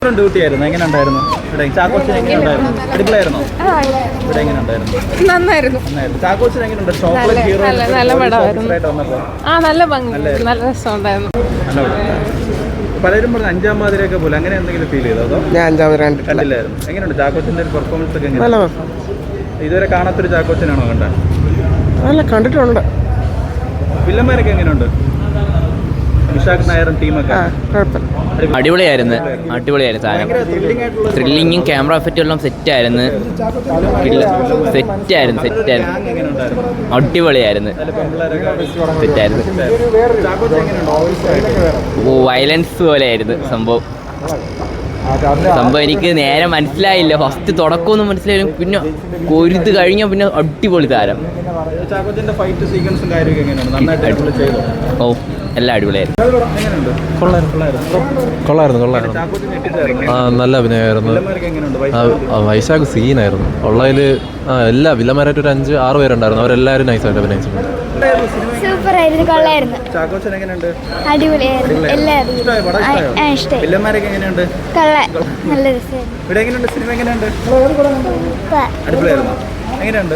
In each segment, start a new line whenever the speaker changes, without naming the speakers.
Duty ആയിരുന്നു. എങ്ങനെ ഉണ്ടായിരുന്നു ഇവിടെ? ചാക്കോച്ചൻ എങ്ങനെ ഉണ്ടായിരുന്നു? അടിപൊളിയായിരുന്നോ? ഇവിടെ എങ്ങനെ ഉണ്ടായിരുന്നു?
നന്നായിരുന്നു.
ചാക്കോച്ചൻ എങ്ങനെയുണ്ട്? ചോക്ലേറ്റ് ഹീറോ
നല്ല പടമായിരുന്നു.
വന്നപ്പോ
നല്ല ഭംഗി, നല്ല രസമുണ്ടായിരുന്നു.
പലരും പറഞ്ഞു അഞ്ചാം പാതിരയൊക്കെ പോലെ, അങ്ങനെ എന്തെങ്കിലും ഫീൽ ചെയ്തോ? അതോ
ഞാൻ അഞ്ചാമത്
കണ്ടില്ലായിരുന്നു. എങ്ങനെയുണ്ട് ചാക്കോച്ചന്റെ ഒരു പെർഫോമൻസ് ഒക്കെ? ഇതുവരെ കാണാത്തൊരു ചാക്കോച്ചനാണോ കണ്ടത്?
നല്ല കണ്ടിട്ടുണ്ട്.
വില്ലന്മാരൊക്കെ എങ്ങനെയുണ്ട്? വിശാഖ് നായരും ടീമൊക്കെ
അടിപൊളിയായിരുന്നു സാധനം. ത്രില്ലിങ്ങും ക്യാമറ എഫക്റ്റും എല്ലാം സെറ്റായിരുന്നു. അടിപൊളിയായിരുന്നു. സെറ്റായിരുന്നു. വയലൻസ് പോലെയായിരുന്നു സംഭവം. എനിക്ക് നേരെ മനസ്സിലായില്ല. ഫസ്റ്റ് തുടക്കമൊന്നും മനസ്സിലായാലും പിന്നെ കൊരുത് കഴിഞ്ഞാൽ പിന്നെ അടിപൊളി താരം. ഓ എല്ലാം അടിപൊളിയായിരുന്നു.
കൊള്ളായിരുന്നു. നല്ല അഭിനയമായിരുന്നു. വൈശാഖ് സീനായിരുന്നു ഉള്ളതിൽ. എല്ലാ വില്ലന്മാരായിട്ട് ഒരു 5-6 പേരുണ്ടായിരുന്നു. അവരെല്ലാവരും നൈസായിട്ട് അഭിനയിച്ചിട്ടുണ്ട്.
സൂപ്പറായിരുന്നു, കൊള്ളായിരുന്നു. അടിപൊളിയായിരുന്നു. എല്ലാവരും നല്ല രസമായിരുന്നു.
എങ്ങനെയുണ്ട്?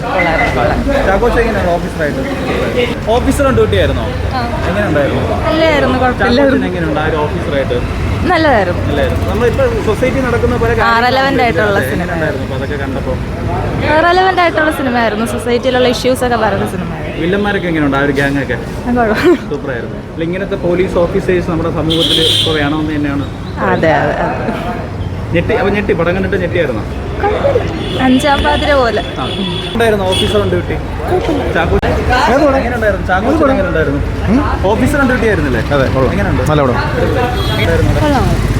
ഓഫീസർ ഡ്യൂട്ടി ആയിരുന്നോ? എങ്ങനെയുണ്ടായിരുന്നു?
നല്ലതായിരുന്നു, കുഴപ്പമില്ലായിരുന്നു.
എങ്ങനെയുണ്ട് ആ ഒരു ഓഫീസറായിട്ട്?
നല്ലതായിരുന്നു.
നമ്മളിപ്പോ സൊസൈറ്റി നടക്കുന്ന പോലെ
റെലവന്റ് ആയിട്ടുള്ള സിനിമ.
അതൊക്കെ കണ്ടപ്പോ
റെലവന്റ് ആയിട്ടുള്ള സിനിമയായിരുന്നു. സൊസൈറ്റിയിലുള്ള ഇഷ്യൂസ് ഒക്കെ പറയുന്ന സിനിമയായിരുന്നു.
വില്ലന്മാരൊക്കെ എങ്ങനെയുണ്ട്? ആ ഒരു ഗ്യാങ് ഒക്കെ സൂപ്പറായിരുന്നു. ഇങ്ങനത്തെ പോലീസ് ഓഫീസേഴ്സ് നമ്മുടെ സമൂഹത്തിൽ ഇപ്പോൾ വേണമെന്ന് തന്നെയാണ്.
അതെ.
ഞെട്ടി പടം കണ്ടിട്ട് ഞെട്ടിയായിരുന്നു.
അഞ്ചാം പാതിര പോലെ
ഉണ്ടായിരുന്നു officer on duty. Officer on duty ആയിരുന്നില്ലേ? എങ്ങനെയുണ്ട്?